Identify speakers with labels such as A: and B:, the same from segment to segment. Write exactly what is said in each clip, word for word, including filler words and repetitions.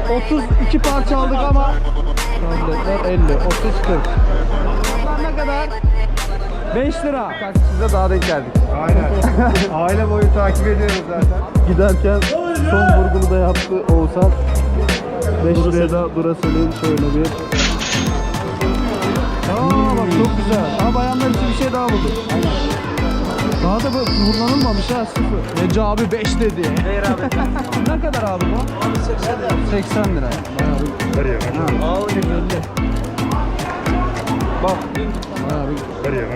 A: otuz iki parça aldık ama elli, otuz, kırk. Ne kadar? beş lira. Taksicide daha denk geldik.
B: Aynen. Aile boyu takip ediyoruz zaten.
A: Giderken son vurgunu da yaptı Oğuzhan. beş liraya da Duracell'in şöyle bir. Aa bak çok güzel. Ama bayanlar için bir şey daha bulduk. Daha da bu kullanılmamış ha, sıfır. Nece abi beş dedi.
B: Hayır abi.
A: Ne kadar abi bu?
B: Abi seksen lira.
A: seksen lira. Bayağı bir.
B: Veriyor.
A: Aa elli. Bak. Bayağı bir.
B: Veriyor.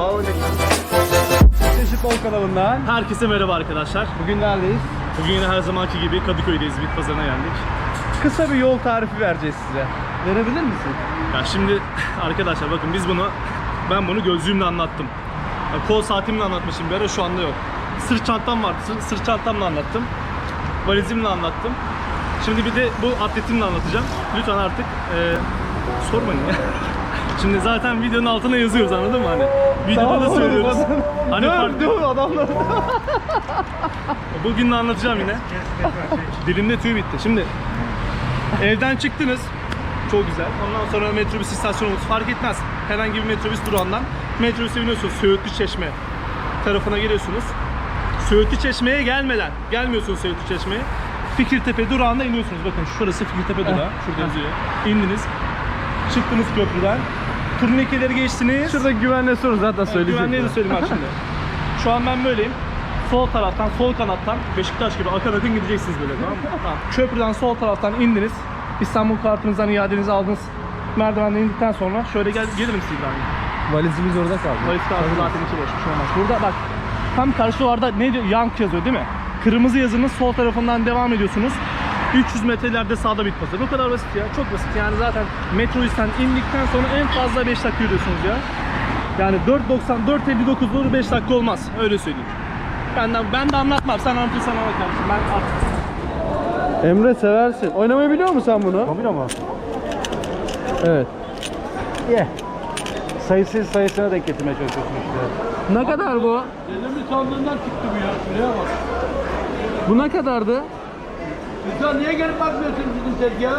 A: Çeşit Bol kanalından.
C: Herkese merhaba arkadaşlar.
A: Bugün neredeyiz?
C: Bugün yine her zamanki gibi Kadıköy'deyiz, bit pazarına geldik.
A: Kısa bir yol tarifi vereceğiz size. Verebilir misin?
C: Ya şimdi arkadaşlar bakın biz bunu, ben bunu gözlüğümle anlattım. Ya kol saatimle anlatmışım bir ara, şu anda yok. Sırt çantam vardı, sırt, sırt çantamla anlattım. Valizimle anlattım. Şimdi bir de bu atletimle anlatacağım. Lütfen artık e, sormayın ya. Şimdi zaten videonun altına yazıyoruz, anladın mı hani? Videoda da söylüyoruz. Hani farklı.
A: Dur adamlar.
C: Bugün de anlatacağım yine. Dilimde tüy bitti. Şimdi evden çıktınız. Çok güzel. Ondan sonra metrobüs istasyonumuz, fark etmez. Herhangi bir metrobüs durağından metrobüse biniyorsunuz. Söğütlü Çeşme tarafına geliyorsunuz. Söğütlü Çeşme'ye gelmeden, gelmiyorsunuz Söğütlü Çeşme'ye. Fikirtepe durağında iniyorsunuz. Bakın şurası Fikirtepe durağı. Şurada yazıyor. İndiniz. Çıktınız köprüden. Turnikeleri geçtiniz.
A: Şurada güvenle sorun zaten söyleyecek.
C: Güvenliği de söyleyeyim bak şimdi. Şu an ben böyleyim. Sol taraftan, sol kanattan Beşiktaş gibi akın akın gideceksiniz böyle, tamam mı? Tamam. Köprüden sol taraftan indiniz. İstanbul kartınızdan iadenizi aldınız. Merdivenden indikten sonra şöyle gel, gelir misin İbrahim?
A: Valizimiz orada kaldı.
C: Valiz kartı zaten içi boş, bir şey olmaz. Burada bak, tam karşılarda ne diyor? Yank yazıyor değil mi? Kırmızı yazının sol tarafından devam ediyorsunuz. üç yüz metrelerde sağda bit pazarı. O kadar basit ya, çok basit. Yani zaten metrobüsten indikten sonra en fazla beş dakika yürüyorsunuz ya. Yani dört doksan, dört elli dokuz doğru beş dakika olmaz, öyle söyleyeyim. Benden, ben de anlatmam, sen anlatırsan ama kardeşim, ben artık.
A: Emre seversin. Oynamayı biliyor musun sen bunu?
B: Mobil ama.
A: Evet.
B: Ye. Sayısız sayısına denk getirmeye çalışıyorsun işte.
A: Ne kadar bu?
D: Dedemin sandığından çıktı bu ya. Şuraya bak.
A: Bu ne kadardı?
D: Sen niye gelip bakmıyorsun bizim tezgaha?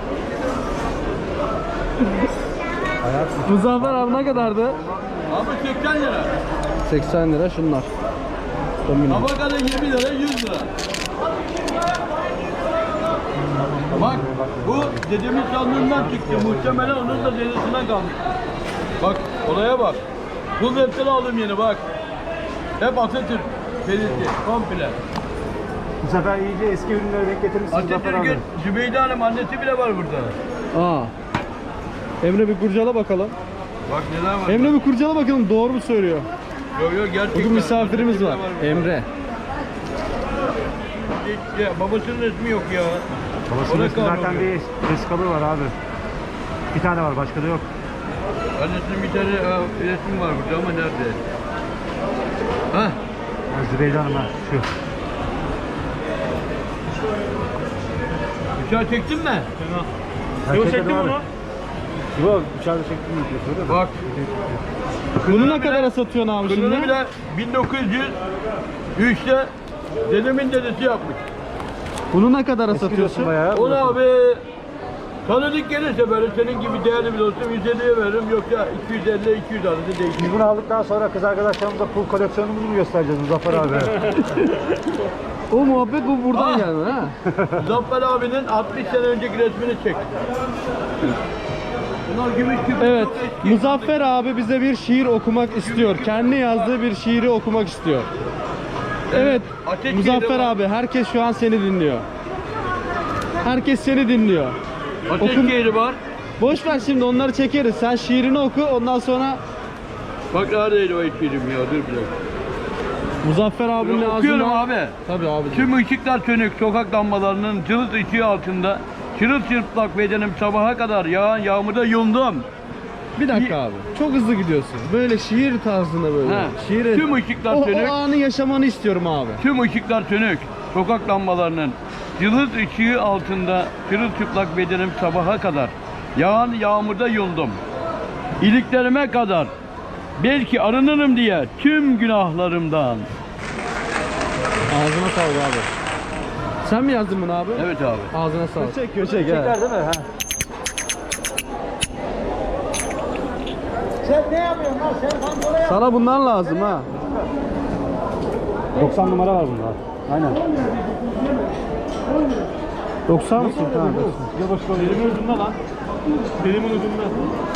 A: Muzaffer abi ne kadardı?
D: Abi seksen lira.
A: seksen lira şunlar. Domino.
D: Tabakada yirmi lira, yüz lira. Bak bu dedemin sandığından çıktı. Muhtemelen onun da dedesinden kalmış. Bak olaya bak. Bu webten aldım yeni bak. Hep Atatürk belirti komple.
B: Bu sefer iyice eski ürünlere denk getirmişsin Zafer abi.
D: Atatürk'ün Zübeyde Hanım annesi bile var burada.
A: Aa. Emre bir kurcala bakalım.
D: Bak neler var.
A: Emre bir kurcala bakalım, doğru mu söylüyor?
D: Yok yok gerçekten.
A: Bugün misafirimiz var.
D: Atatürk'te
A: Emre.
D: Ya babasının resmi yok ya.
B: Babasının
D: Ona
B: resmi zaten
D: kalmıyor.
B: bir vesikalı var abi. Bir tane var, başka da yok.
D: Annesinin bir tane e, resmi var burada ama nerede? Hah.
B: Ha, Zübeyde Hanım ha, şu.
D: Bıçağı çektin mi?
C: Yok,
B: Çekelim
C: çektim
B: abi.
C: onu.
B: Yok, dışarıda çektim mi diyorsun?
D: Bak.
A: Bunu ne kadara satıyorsun abi
D: Kınını
A: şimdi?
D: bile bin dokuz yüz üçte dedemin dedesi yapmış.
A: Bunu ne kadara
B: Eski diyorsun
A: satıyorsun?
B: bayağı.
D: Onu abi tanıdık gelirse böyle senin gibi değerli bir dostum yüz elliye veririm, yoksa iki yüz elli iki yüz arası değişir.
B: Biz bunu aldıktan sonra kız arkadaşlarımıza pul koleksiyonumuzu mu göstereceğiz Muzaffer abi?
A: O muhabbet bu buradan
D: Ah.
A: geldi ha.
D: Zafer abinin altmış sene önceki resmini çek. Bunlar gümüş gibi.
A: Evet,
D: çok eski.
A: Muzaffer abi bize bir şiir okumak istiyor. Kendi yazdığı bir şiiri okumak istiyor. Evet,
D: Ateş
A: Muzaffer
D: şiiri var.
A: abi, herkes şu an seni dinliyor. Herkes seni dinliyor.
D: Ateş
A: Okum-
D: şehri var.
A: Boş ver şimdi, onları çekeriz. Sen şiirini oku, ondan sonra
D: Bak neredeydi o şiirim ya, dur bir dakika.
A: Muzaffer abinin
D: Okuyorum
A: ağzından...
D: abi.
A: Tabii abi.
D: Tüm ışıklar sönük, sokak lambalarının cılız ışığı altında çırılçırplak bedenim sabaha kadar yağan yağmurda yundum.
A: Bir dakika abi. Çok hızlı gidiyorsun. Böyle şiir tarzında böyle.
D: He.
A: Şiir.
D: Tüm ışıklar
A: o,
D: sönük.
A: o anı yaşamanı istiyorum abi.
D: Tüm ışıklar sönük, sokak lambalarının cılız ışığı altında çırılçıplak bedenim sabaha kadar yağan yağmurda yundum. İliklerime kadar belki arınırım diye tüm günahlarımdan.
A: Ağzına sağlık abi. Sen mi yazdın bunu abi?
D: Evet abi.
A: Ağzına sağlık.
B: Çekiyor, çek. Çeker değil mi? Ha. Sen ne yapıyorsun lan? Sen kontrol yap.
A: Sana bundan lazım ha.
B: doksan numara var bunda. Aynen.
A: doksan mısın? Tamam.
B: Yavaş ol.
C: Elimin ucunda lan. Elimin ucunda.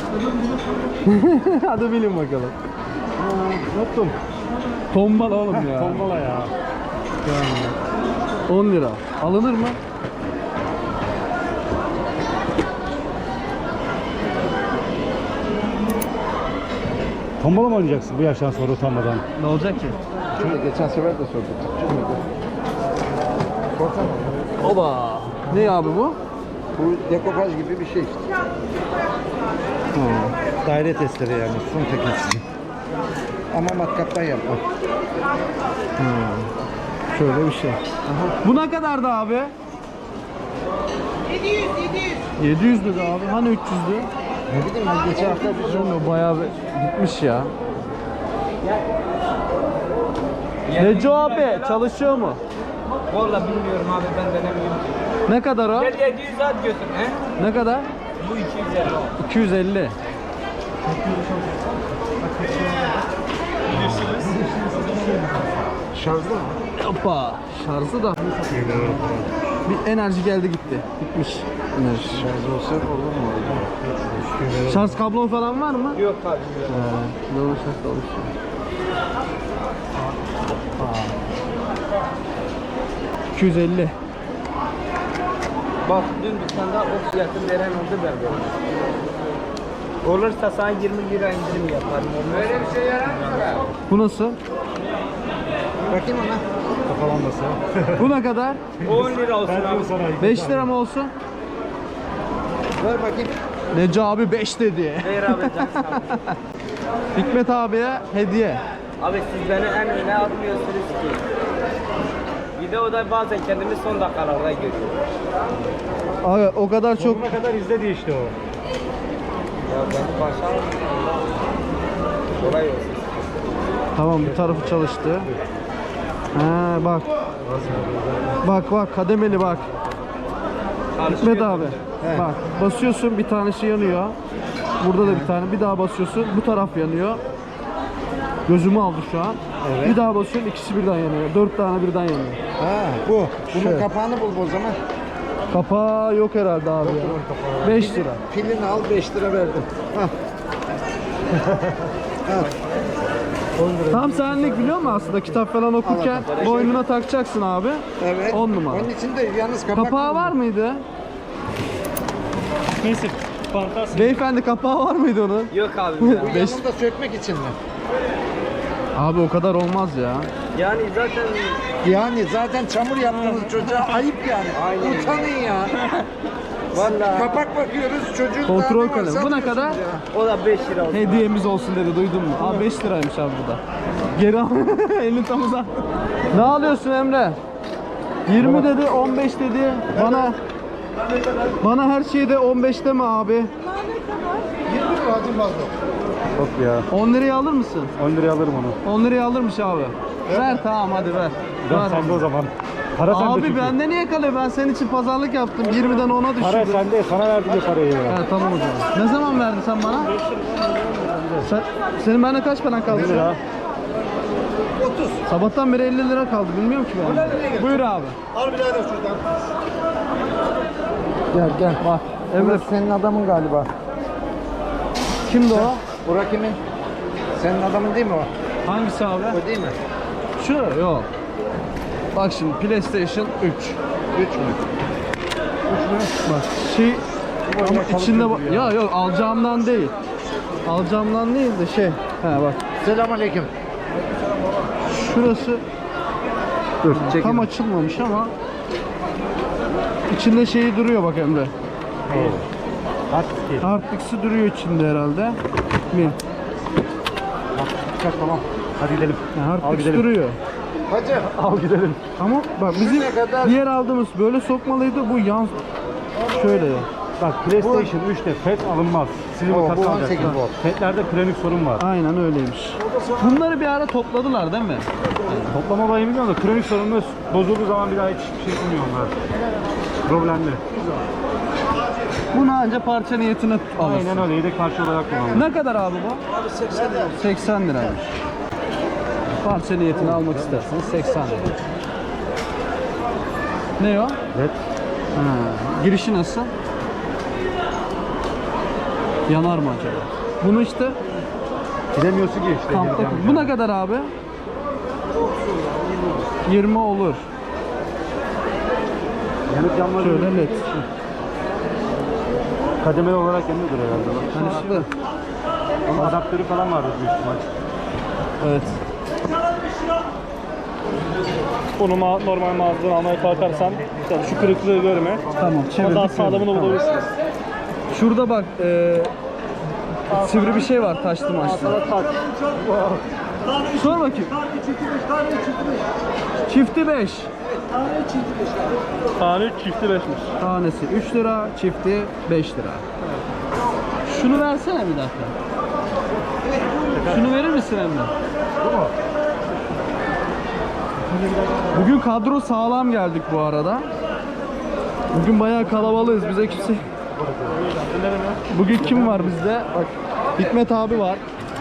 A: Hadi bilin bakalım.
B: Unuttum.
A: Tombala oğlum ya.
B: Tombala ya.
A: on lira. Alınır mı?
B: Tombala mı oynayacaksın bu yaştan sonra utanmadan?
A: Ne olacak ki?
E: Geçen sefer de sorduk.
A: Oba. Ne abi bu?
E: Bu dekopaj gibi bir şey işte.
B: Daire testleri yani. Son teknesi.
E: Ama matkaptan yapma.
A: Şöyle bir şey. Bu ne kadardı abi? yedi yüz, yedi yüz. yedi yüz dedi abi. Hani üç yüzdü?
E: Ne bileyim ben geçen hafta bir şey
A: Bilmiyorum, bayağı bir gitmiş ya. Neco abi çalışıyor mu?
F: Vallahi bilmiyorum abi, ben denemiyorum.
A: Ne kadar o?
F: Gel yedi yüz at götür he.
A: Ne kadar?
F: Bu iki yüz elli.
A: iki yüz elli.
E: şarjlı mı?
A: Hoppa. Şarjı da. Bir enerji geldi gitti. Bitmiş. Enerji.
E: Şarj olsa olur mu?
A: Şarj kablon falan var mı?
F: Yok abi.
A: He. Normal şarj çalışıyor. iki yüz elli.
F: Bak dün dükkanda o fiyatı veren oldu ben böyle. Olursa sana yirmi lira indirim yaparım. Böyle bir şey yarar mı?
A: Bu nasıl?
E: Bakayım ona.
B: Kafalanması.
A: Bu ne kadar?
F: on lira olsun
B: Ben
F: abi.
B: sana
A: beş lira mı olsun?
E: Ver bakayım.
A: Neco abi beş dedi.
F: Ver abi can sağ ol.
A: Hikmet abiye hediye.
F: Abi siz beni en öne atmıyorsunuz ki. Videoda bazen kendimi son dakikalarda görüyorum.
A: Abi o kadar çok
B: Sonuna kadar izledi işte o.
F: Ya beni başa kolay olsun.
A: tamam, bir tarafı çalıştı. He bak. Bak bak kademeli bak. Hikmet abi. Bak basıyorsun bir tanesi yanıyor. Burada da bir tane. Bir daha basıyorsun bu taraf yanıyor. Gözümü aldı şu an. Bir daha basıyorsun ikisi birden yanıyor. Dört tane birden yanıyor.
E: Ha bu. Bunun
A: Şöyle.
E: kapağını bul o zaman.
A: Kapağı yok herhalde abi ya. beş lira.
E: Pilini al beş lira verdim. Hah.
A: Tam senlik biliyor musun aslında kitap falan okurken boynuna takacaksın abi.
E: Evet.
A: on numara.
E: Onun içinde yalnız kapak
A: Kapağı var mıydı?
C: Neyse. Fantastik.
A: Beyefendi kapağı var mıydı onun?
F: Yok abi.
E: Bu
F: ya.
A: Beş-
E: yanında sökmek için mi?
A: Abi o kadar olmaz ya.
F: Yani zaten
E: Yani zaten çamur yaptınız çocuğa ayıp yani. Utanın ya.
F: vallahi
E: Kapak bakıyoruz çocuğun
A: Kontrol
E: daha ne var
A: kalemi. Bu ne
E: satıyorsunuz
A: kadar?
E: ya.
F: o da beş lira olsun.
A: Hediyemiz olsun dedi, duydun mu? Abi beş liraymış abi bu da. Geri al. Elini tam uzat. Ne alıyorsun Emre? yirmi dedi, on beş dedi. Bana bana her şeyde on beş deme abi.
E: yirmi lira hacım fazla.
B: Yok ya.
A: on liraya alır mısın?
B: on liraya alırım onu.
A: on liraya alırmış abi. Ver tamam hadi ver.
B: Ben
A: Ver.
B: sende o zaman. Para sende
A: Abi
B: çünkü.
A: bende niye kalıyor? Ben senin için pazarlık yaptım. yirmiden ona düşürdüm.
B: Para sende. Sana verdim ya parayı ya.
A: Ha, tamam o zaman. Ne zaman verdin sen bana? Sen, senin bende kaç paran kaldı?
B: elli lira.
A: Sabahtan beri elli lira kaldı. Bilmiyorum ki ben. Buyur abi.
E: Al birader şuradan. Gel gel.
A: Bak. Emre
E: Burası senin adamın galiba.
A: kimdi o?
E: Burak kimin? Senin adamın değil mi o?
A: Hangisi abi?
E: O değil mi?
A: Şu yok. Bak şimdi PlayStation üç.
E: Üç mü?
A: Bak şey ama
B: kalıp
A: içinde
B: yok
A: bak. Ya yok alacağımdan değil. Alacağımdan değil de şey. He bak.
E: Selamünaleyküm.
A: Şurası
E: Dur
A: tam açılmamış ama içinde şeyi duruyor bak Emre.
B: Hadi.
A: Harddisk'i duruyor içinde herhalde. Mi?
B: Çıkar tamam. Hadi gidelim.
A: Yani
B: Al
A: harddisk
B: gidelim.
A: duruyor.
E: Hacı.
B: Al gidelim.
A: Ama bak bizim
E: ne kadar-
A: diğer aldığımız böyle sokmalıydı. Bu yan şöyle.
B: Bak PlayStation üçte F E T alınmaz. Sizin
E: Oo,
B: o
E: bu
B: katı
E: on sekiz volt.
B: F E T'lerde kronik sorun var.
A: Aynen öyleymiş. Bunları bir ara topladılar değil mi?
B: Toplama olayı bilmiyorum da kronik sorunumuz bozulduğu zaman bir daha hiçbir şey yapmıyor onlar. Problemli.
A: Bunu anca parça niyetine alırsın.
B: Aynen öyle. Yedek parça olarak kullanılıyor.
A: Ne kadar abi bu? Abi seksen lira. seksen liraymış. Parça niyetini almak isterseniz seksen lira. Ne o?
B: Evet.
A: Ha, girişi nasıl? Yanar mı acaba? Bunu işte
B: Gidemiyorsun ki işte.
A: kampta. Bu ne kadar abi? yirmi olur.
B: Yanıp yanmaz.
A: Şöyle net.
B: Kademeli olarak yanıyordur herhalde. Bak.
A: Hani işte.
B: Onun adaptörü falan vardır büyük ihtimal.
A: Evet.
C: Onu ma normal mağazadan almaya kalkarsan işte şu kırıklığı görme.
A: Tamam.
C: Ama
A: Çevirdik.
C: daha sağlamını
A: Tamam.
C: bulabilirsiniz.
A: Şurada bak e, sivri bir şey var taşlı maçlı. Sor bakayım. Çifti beş.
C: Tane çifti beşmiş.
A: Tanesi üç lira, çifti beş lira. Şunu versene bir dakika. Şunu verir misin Emre? Bugün kadro sağlam geldik bu arada. Bugün bayağı kalabalığız. Bize kimse... Bugün kim var bizde? Bak, Hikmet abi var.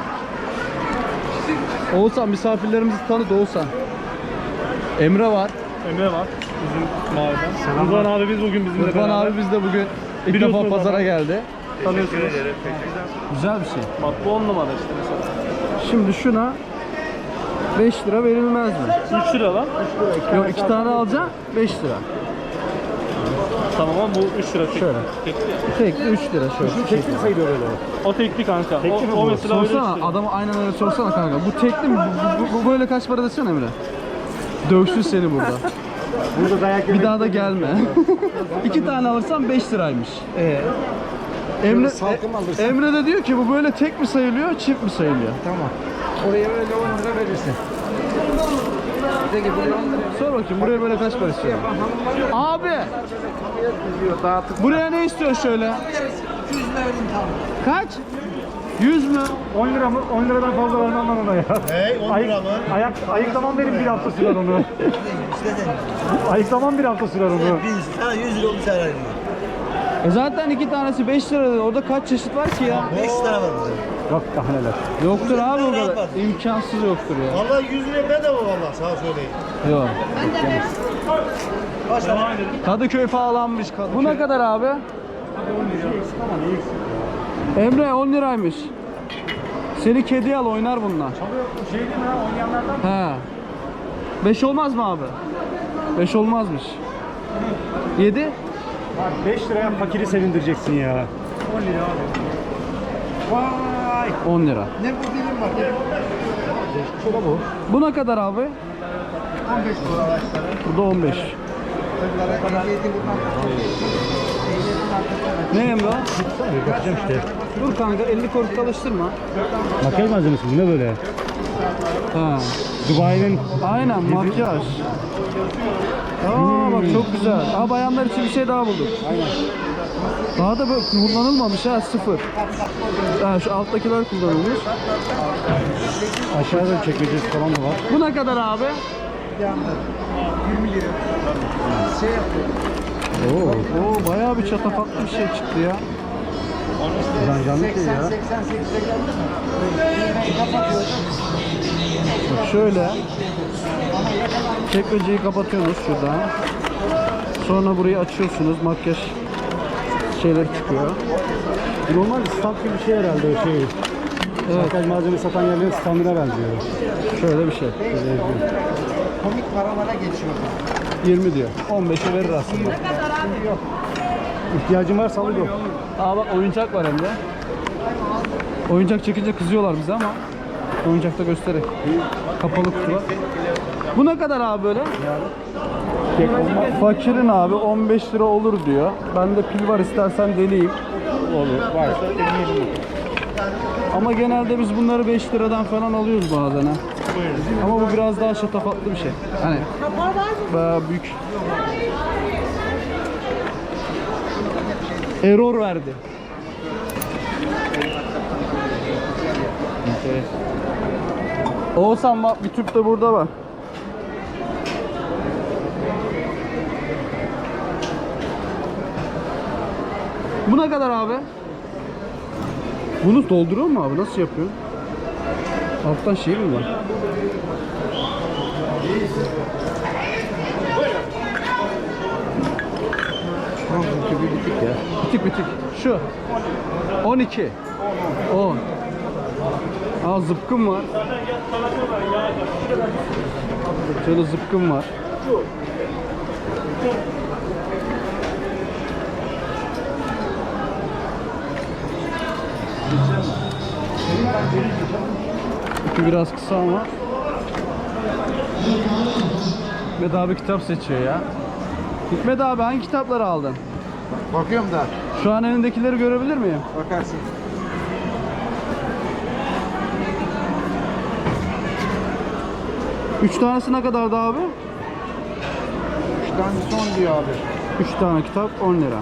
A: Oğuzhan, misafirlerimizi tanıt Oğuzhan. Emre var.
C: Emre var. Bizim mahalleden. Rıdvan abi biz bugün bizimle
A: Rıdvan
C: beraber.
A: abi biz de bugün ilk
C: Biliyorsunuz
A: defa pazara
C: zaten.
A: geldi.
C: Tanıyorsunuz.
A: Güzel bir şey.
C: Bak bu on numara işte mesela.
A: Şimdi şuna beş lira verilmez mi?
C: üç lira lan.
A: Yok, iki tane alacağım beş lira.
C: Tamam ama bu üç lira tek.
A: Şöyle.
C: Tekli ya.
A: Tekli üç lira şöyle.
B: Tekli mi sayılıyor böyle?
C: O tekli kanka.
B: Tekli mi
C: o, o
B: bu?
C: mesela öyle
A: Sorsana,
C: işte.
A: adamı aynen öyle sorsana kanka. Bu tekli mi? Bu, bu, bu böyle kaç para desene Emre? Dövsün seni burada.
B: Burada dayak
A: Bir daha da gelme. İki tane alırsan beş liraymış. Ee, Emre,
E: salkım alırsın.
A: Emre de diyor ki bu böyle tek mi sayılıyor, çift mi sayılıyor?
E: Tamam. Oraya öyle on lira verirsin. Peki buraya on lira
A: Sor bakayım buraya böyle kaç para istiyor? Abi!
E: veriyor. Dağıtıp
A: Buraya ne istiyor şöyle?
E: yüz lira vereyim tamam.
A: Kaç? yüz mü?
B: on lira mı? on liradan fazla vermem ben ona ya. Hey on lira mı? Ayak, ayıklamam benim bir hafta sürer onu. Ayıklamam bir hafta sürer onu.
G: Sana yüz lira olmuş herhalde.
A: E zaten iki tanesi beş lira dedi. Orada kaç çeşit var ki ya?
G: beş lira var burada.
B: Yok daha neler.
A: Yoktur abi o
G: lira
A: kadar.
G: var.
A: İmkansız yoktur ya.
G: Vallahi yüz lira bedava vallahi sana söyleyeyim.
A: Yok.
G: Kaç lira?
A: Kadıköy falanmış. Bu ne kadar abi? Emre on liraymış. Seni kedi al oynar bunlar.
B: Şey değil mi ha? Oynayanlardan
A: He. beş olmaz mı abi? beş olmazmış. yedi?
B: Bak beş liraya fakiri sevindireceksin ya. on lira abi. Vay!
A: on lira.
E: Ne bu dilim var?
B: Şurada bu.
A: Bu ne kadar abi?
E: on beş lira.
A: Bu da on beş. Ne Emre?
B: Bakacağım işte.
A: Dur kanka elli kuruş çalıştırma.
B: Makyaj malzemesi bu ne böyle?
A: Ha.
B: Dubai'nin
A: Aynen makyaj. Aa bak çok güzel. Aa bayanlar için bir şey daha bulduk.
B: Aynen.
A: Daha da böyle kullanılmamış ha sıfır. Ha şu alttakiler kullanılmış.
B: Aşağıda çekmecesi falan da var.
A: Bu ne kadar abi?
E: yirmi lira. Şey yapıyor.
A: Oo, oo bayağı bir çatafatlı bir şey çıktı ya.
B: Buradan canlı şey
E: seksen
B: ya.
E: seksen sekize geldi mi? Kapatıyorsun.
A: Bak şöyle. Çekmeceyi kapatıyorsunuz şuradan. Sonra burayı açıyorsunuz. Makyaj şeyler çıkıyor.
B: Normal stand gibi bir şey herhalde o şey.
A: Evet.
B: Makyaj malzeme satan yerlerin standına benziyor.
A: Şöyle bir şey.
E: Komik paralara geçiyor.
A: yirmi diyor. on beşe verir aslında.
B: İhtiyacın varsa al yok.
A: Aa bak oyuncak var hem de. Oyuncak çekince kızıyorlar bize ama oyuncakta göstererek. Kapalı kutu var. Bu ne kadar abi böyle? Fakirin abi on beş lira olur diyor. Bende pil var istersen deneyeyim.
B: Olur. Varsa deneyelim.
A: Ama genelde biz bunları beş liradan falan alıyoruz bazen ha. Ama bu biraz daha şatafatlı bir şey. Hani bayağı büyük. Error verdi. Evet. Oğuzhan bak bir tüp de burada var. Bu ne kadar abi? Bunu dolduruyor mu abi? Nasıl yapıyor? Alttan şey mi var?
E: Bitik ya.
A: Bitik bitik. Şu. on iki. on. Aa zıpkın var. Şöyle zıpkın var. İpi biraz kısa ama. Hikmet abi kitap seçiyor ya. Hikmet abi hangi kitapları aldın?
E: Bakıyorum da.
A: Şu an elindekileri görebilir miyim?
E: Bakarsın.
A: Üç tanesi ne kadardı abi?
E: Üç tane son diyor abi.
A: Üç tane kitap on lira.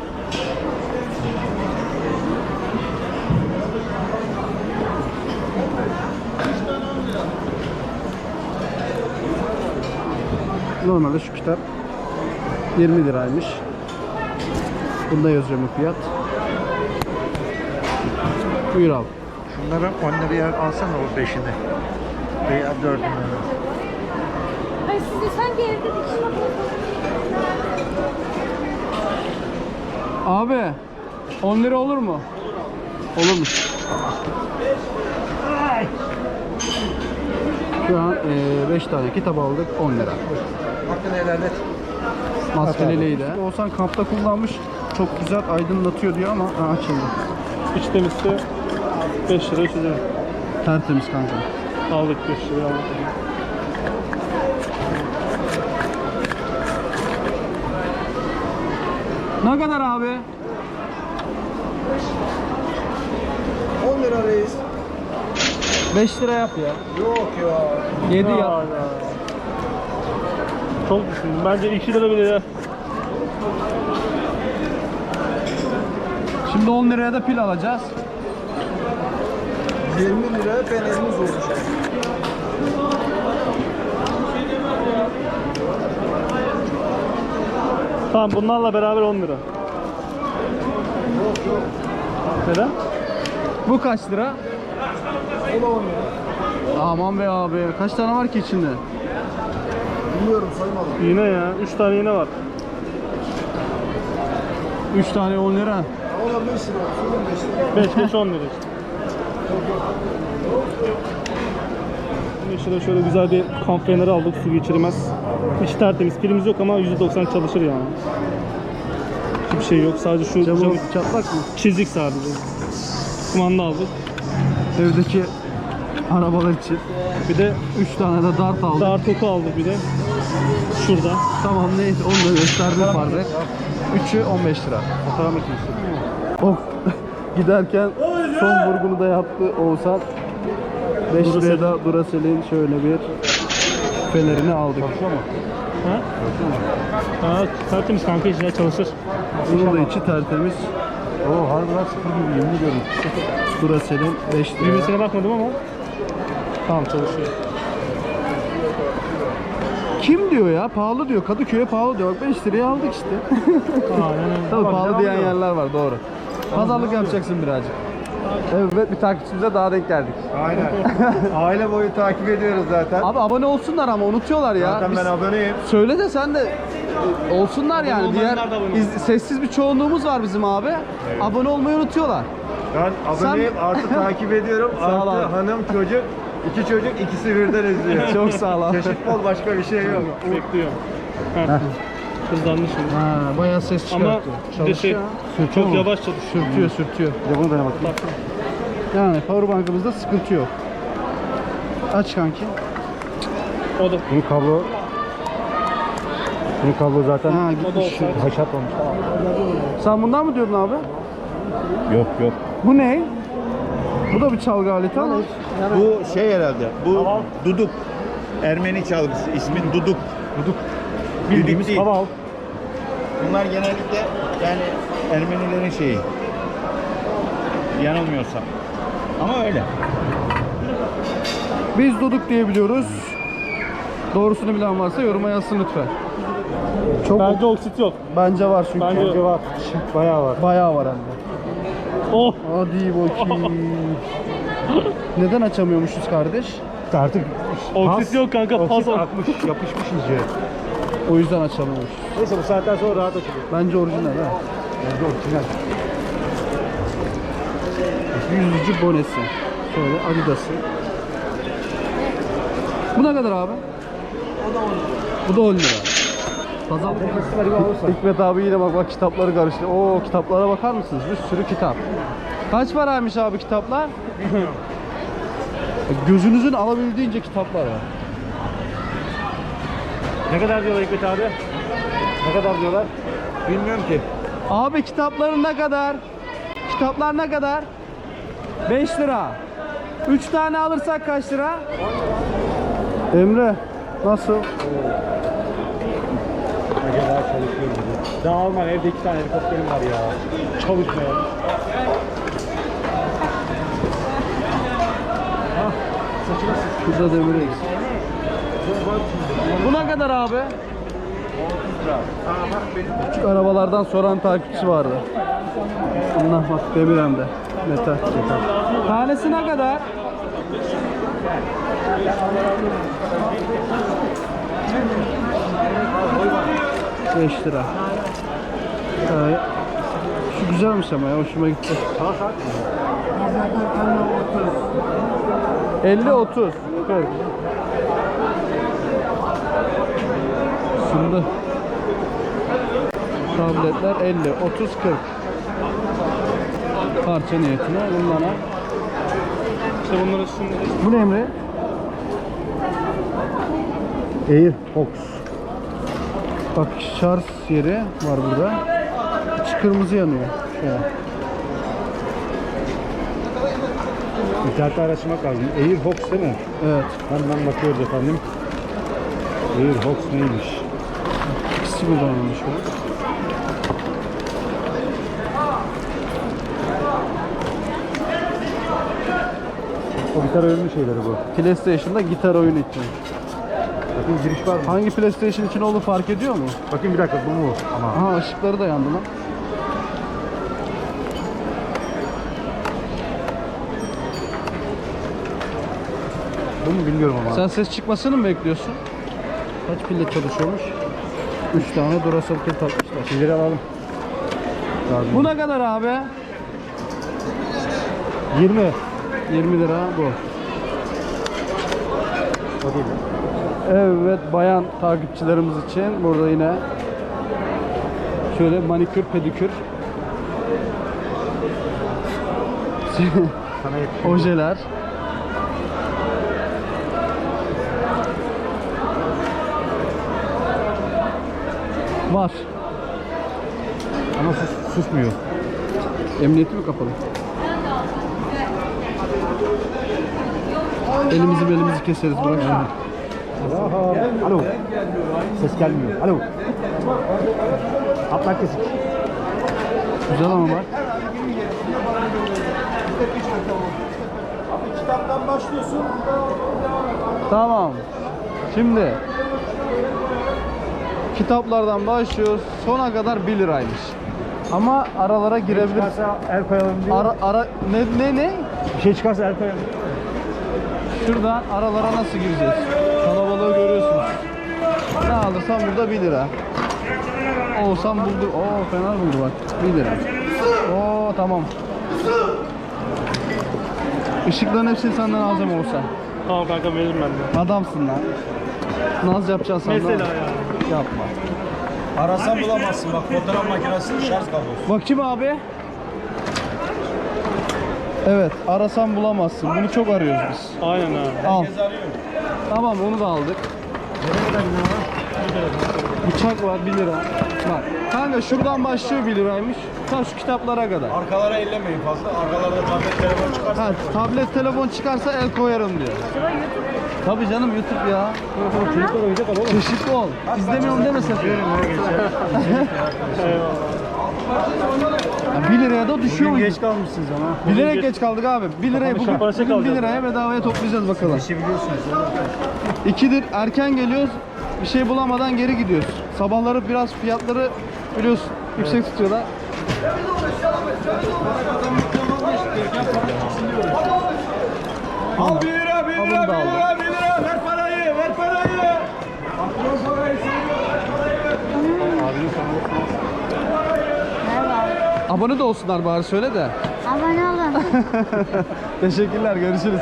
A: Normalde şu kitap yirmi liraymış. Bunda yazıyor mu fiyat? Buyur abi.
E: Şunları on liraya alsana o beşini. Veya dördünü.
H: Ay size sanki evde dikiş makinesi.
A: Abi on lira olur mu? Olurmuş. Şu an beş tane kitap aldık on lira.
E: Hakkını helal et.
A: Maskeleliği de. Oğuzhan kampta kullanmış. Çok güzel aydınlatıyor diyor ama ha, açıldı.
C: İç temizse beş lira çözüyor.
A: Tertemiz kanka.
C: Aldık beş lira aldık.
A: Ne kadar abi?
E: on lira reis.
A: beş lira yap ya.
E: Yok ya.
A: yedi
C: Ya,
A: yap.
C: ya. Çok düşündüm. Bence iki lira bile ya.
A: Şimdi on liraya da pil alacağız.
E: yirmi lira fenerimiz olmuş.
C: Tamam bunlarla beraber on lira. Neden?
A: Bu kaç lira?
E: O da on lira.
A: Aman be abi. Kaç tane var ki içinde?
E: Bilmiyorum saymadım.
C: İğne ya. Üç tane iğne var.
A: üç tane on lira.
E: O da beş lira. Sorun beş lira.
C: beş beş on lira işte. Şimdi şurada şöyle güzel bir kamp feneri aldık. Su geçirmez. Hiç tertemiz. Pilimiz yok ama yüzde doksan çalışır yani. Hiçbir şey yok. Sadece şu
A: Camı
C: camı
A: çatlak mı?
C: çizdik sadece. Kumanda aldık.
A: Evdeki arabalar için.
C: Bir de
A: üç tane de dart aldık.
C: dar topu aldık bir de. Şurada.
A: Tamam neyse onu da gösterdim farkı. üçü on beş lira.
C: Fotoğraf makinesi.
A: Of. Giderken son vurgunu da yaptı Oğuzhan. beş liraya da Duracell'in şöyle bir fenerini aldık.
C: Ha? Ha, tertemiz kanka işler çalışır.
A: Bunun da içi tertemiz.
E: Oo harbiden sıfır gibi yemin ediyorum.
A: Duracell'in beş lira.
C: Düğmesine bakmadım ama tamam çalışıyor.
A: Kim diyor ya? Pahalı diyor. Kadıköy'e pahalı diyor. Bak beş liraya aldık işte.
C: Aynen.
A: Tabii
C: Bak,
A: pahalı
C: devam
A: diyen
C: ediyor.
A: yerler var doğru. Pazarlık yapacaksın birazcık. Evet bir takipçimize daha denk geldik.
G: Aynen. Aile boyu takip ediyoruz zaten.
A: Abi abone olsunlar ama unutuyorlar ya.
G: Zaten
A: Biz-
G: ben aboneyim.
A: Söyle de sen de e, olsunlar yani. Diğer
C: olmayanlar da abone
A: iz- sessiz bir çoğunluğumuz var bizim abi. Abone olmayı unutuyorlar.
G: Ben aboneyim artı takip ediyorum.
A: Sağ ol
G: Artı
A: abi.
G: hanım çocuk. İki çocuk ikisi birden izliyor.
A: Çok sağ ol abi.
G: Çeşit bol başka bir şey yok.
C: Bekliyorum. Heh. Hızlandı şimdi.
A: Ha, bayağı ses
C: Ama
A: çıkartıyor.
C: bir de şey,
A: Çalışıyor.
C: çok
A: Sürtüyor mu?
C: yavaş çalışıyor.
A: Sürtüyor sürtüyor.
G: Bir de bunu denemek.
A: Yani powerbank'ımızda sıkıntı yok. Aç kanki.
C: O da
G: Bunun kablo Bunun kablo zaten
A: Ha
C: o da
A: gitmiş.
C: olsa.
G: haşat olmuş.
A: Sen bundan mı diyordun abi?
G: Yok yok.
A: Bu ne? Bu da bir çalgı aleti ama.
I: Bu şey herhalde, bu duduk. Ermeni çalgısı, ismi duduk. Duduk. Bildiğimiz değil.
C: Hava al.
I: Bunlar genellikle yani Ermenilerin şeyi. Yanılmıyorsam. Ama öyle.
A: Biz Duduk diye biliyoruz. Doğrusunu bilen varsa yoruma yazsın lütfen. Çok
C: Bence oksit yok.
A: bence var çünkü.
C: Bence yok.
B: Var. Bayağı var.
A: Bayağı var hem de.
C: Oh!
A: Hadi bakayım. Neden açamıyormuşuz kardeş?
B: Artık
C: Oksit yok kanka. Pas
B: oksit
C: ol.
B: akmış, yapışmış iyice.
A: O yüzden açamıyormuşuz.
B: Neyse bu saatten sonra rahat açılıyor.
A: Bence orijinal ha.
B: Bence orijinal.
A: Yüzücü bonesi. Şöyle Adidas'ı. Bu ne kadar abi? Bu da on lira. Pazarlık
B: Festival gibi olursa.
A: Hikmet abi yine bak bak kitapları karıştı. Oo kitaplara bakar mısınız? Bir sürü kitap. Kaç paraymış abi kitaplar? Gözünüzün alabildiğince kitaplar var.
B: Ne kadar diyorlar Hikmet abi? Ne kadar diyorlar?
I: Bilmiyorum ki.
A: Abi kitapların ne kadar? Kitaplar ne kadar? beş lira. üç tane alırsak kaç lira? Emre nasıl?
B: Acaba çalışıyor mu? Daha Alman evde iki tane helikopterim var ya. Çalışmıyor. Hah, saçına sık.
A: Burada demir eksik. Bu ne kadar abi? Küçük arabalardan soran takipçi vardı. Allah bak demir hem de. Metal. Tanesi ne kadar? beş lira. Ee, şu güzelmiş ama ya hoşuma gitti. elli otuz. kırk. Şimdi tabletler elli otuz kırk. Parça niyetine bunlara.
C: İşte bunları şimdi.
A: Bu ne Emre?
B: Airfox.
A: Bak şarj yeri var burada. İçi kırmızı yanıyor. Şöyle.
B: İnternette araştırmak lazım. Airfox değil mi?
A: Evet.
B: Hemen bakıyoruz efendim. Airfox neymiş?
A: İkisi buradan almış o.
B: O gitar oyunlu şeyleri bu.
A: PlayStation'da gitar oyunu için.
B: Bakın giriş var mı?
A: Hangi PlayStation için olduğu fark ediyor mu?
B: Bakın bir dakika bu mu? Ama
A: Aha ışıkları da yandı lan.
B: bu mu bilmiyorum ama.
A: Sen ses çıkmasını mı bekliyorsun? Kaç pille çalışıyormuş? üç tane Duracell pil takmışlar.
B: Şeyleri alalım.
A: Bu ne kadar abi?
B: yirmi.
A: yirmi lira bu.
B: O değil.
A: Evet bayan takipçilerimiz için burada yine şöyle manikür pedikür
B: Sana yetişiyor.
A: ojeler. Var.
B: Ama sus, susmuyor.
A: Emniyeti mi kapalı? Elimizi belimizi keseriz bırak şimdi.
B: Aha. Alo. Ses gelmiyor. Alo. Hatlar kesik.
A: Güzel ama bak.
B: Kitaptan başlıyorsun.
A: Tamam. Şimdi kitaplardan başlıyoruz. Sona kadar bir liraymış. Ama aralara girebilir.
B: Çıkarsa el koyalım diyor.
A: Ara ara ne ne ne?
B: Bir şey çıkarsa el koyalım.
A: Şuradan aralara nasıl gireceğiz? Kalabalığı görüyorsunuz. Ne alırsam burada bir lira. Olsam buldu. Oo fena buldu bak. bir lira. Oo tamam. Işıkların hepsini senden alacağım olsa.
C: Tamam kanka veririm ben de.
A: Adamsın lan. Naz yapacaksın sen de.
C: Mesela ya.
A: Yapma.
G: Arasan bulamazsın bak fotoğraf makinesi şarj kablosu.
A: Bakayım abi. Evet, arasan bulamazsın. Bunu çok arıyoruz biz.
C: Aynen abi.
A: Al. Tamam, onu da aldık. Bıçak var bir lira. Bak, kanka şuradan başlıyor bir liraymış. Ta şu kitaplara kadar.
G: Arkalara ellemeyin fazla. Arkalarda tablet telefon çıkarsa.
A: Ha, tablet, telefon çıkarsa el koyarım diyor. Tabii canım YouTube ya.
B: Çocuklar oyuncak al oğlum.
A: Çeşitli ol. İzlemiyorum deme sakın. Ya bir liraya da düşüyor
B: Bugün
A: muydu?
B: geç kalmışsınız ama. Bugün
A: Bilerek geç kaldık abi. bir liraya
B: Kapanış
A: bugün,
B: kapanışa
A: bugün bir
B: kalacağız.
A: liraya bedavaya toplayacağız bakalım.
B: İşi biliyorsunuz.
A: İkidir erken geliyoruz. Bir şey bulamadan geri gidiyoruz. Sabahları biraz fiyatları biliyorsun yüksek tutuyorlar.
I: Al bir lira, bir
A: Alın
I: lira,
A: da
I: bir
A: aldım.
I: lira, bir lira. Ver parayı, ver parayı. Patron parayı
H: Merhaba.
A: Abone de olsunlar bari söyle de.
H: Abone olun.
A: Teşekkürler, görüşürüz.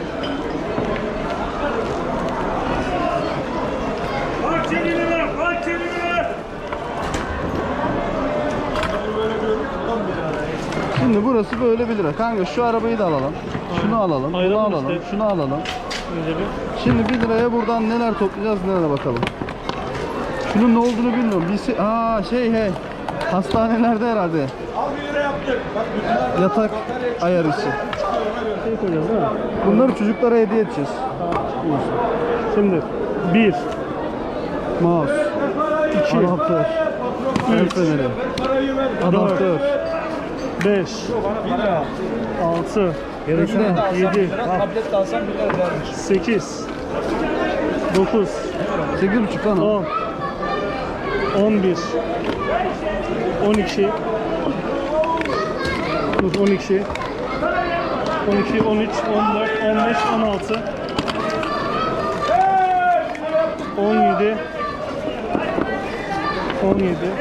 A: Şimdi burası böyle bir lira. Kanka şu arabayı da alalım. Şunu alalım, bunu
B: Ayıralım
A: alalım,
B: işte.
A: şunu alalım.
B: Önce bir.
A: Şimdi bir liraya buradan neler toplayacağız, nelere bakalım. Şunun ne olduğunu bilmiyorum. Bir Aa şey hey. Hastanelerde herhalde.
I: Al bir lira yaptık. Bak bütün
A: Yatak ayar işi.
B: Şey koyacağız değil mi?
A: Bunları çocuklara hediye edeceğiz.
B: Şimdi bir,
A: Mouse,
B: iki,
A: adaptör, el feneri, adaptör,
B: beş, altı,
A: Bekle.
B: yedi,
G: Tablet de alsam bir lira vermiş.
B: sekiz, dokuz,
A: sekiz buçuk lan o.
B: on, on bir, on iki, dur on iki, on iki, on üç, on dört, on beş, on altı, on yedi, on yedi,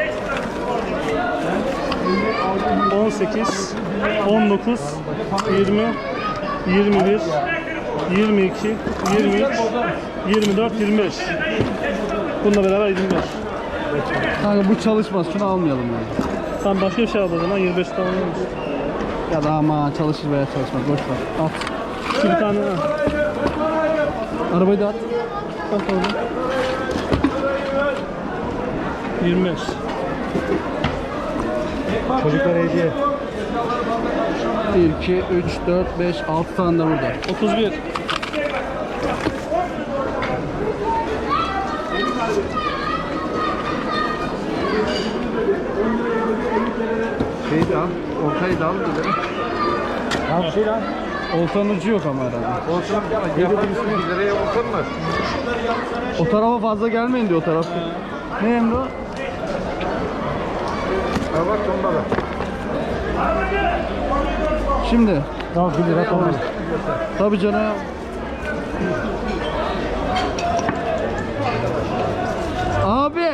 B: on sekiz, on dokuz, yirmi, yirmi bir, yirmi iki, yirmi üç, yirmi dört, yirmi beş. Bununla beraber yirmi beş.
A: Kanka bu çalışmaz, şunu almayalım yani.
B: Tamam başka bir şey al o zaman yirmi beş tamam olmuş.
A: Ya da ama çalışır veya çalışmaz, boş ver. At.
B: Şu bir tane ha.
A: Arabayı da at.
B: Bak orada. yirmi beş.
I: Çocuklara hediye.
A: bir, iki, üç, dört, beş, altı tane de burada.
B: otuz bir.
A: Şeyi de al, ortayı da al bir lira.
I: Ne yapıyor lan?
A: Oltanın ucu yok ama herhalde.
I: Olsun. Yaparsın bir liraya oturmaz.
A: O tarafa fazla gelmeyin diyor o taraf. Ne Emre o?
I: Ha bak onda da.
A: Şimdi.
B: Tamam bir lira tamam.
A: Tabii canım. Abi.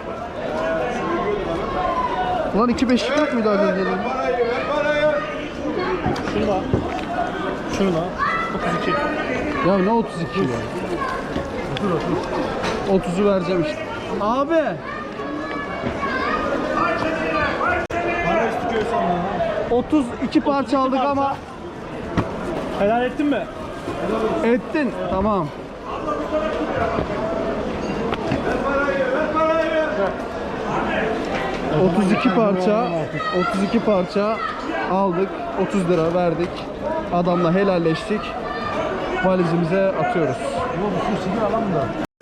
A: Ulan iki beşlik yok muydu az önce?
I: Parayı, ver parayı.
B: Şunu da. Şunu da. otuz iki.
A: Ya ne otuz iki ya? otuzu vereceğim işte. Abi.
I: Para istiyor senden ha.
A: otuz iki parça aldık ama
B: Helal ettin mi?
A: ettin. Tamam. otuz iki parça otuz iki parça aldık. otuz lira verdik. Adamla helalleştik. Valizimize atıyoruz.
I: Yok bu sigara alalım da.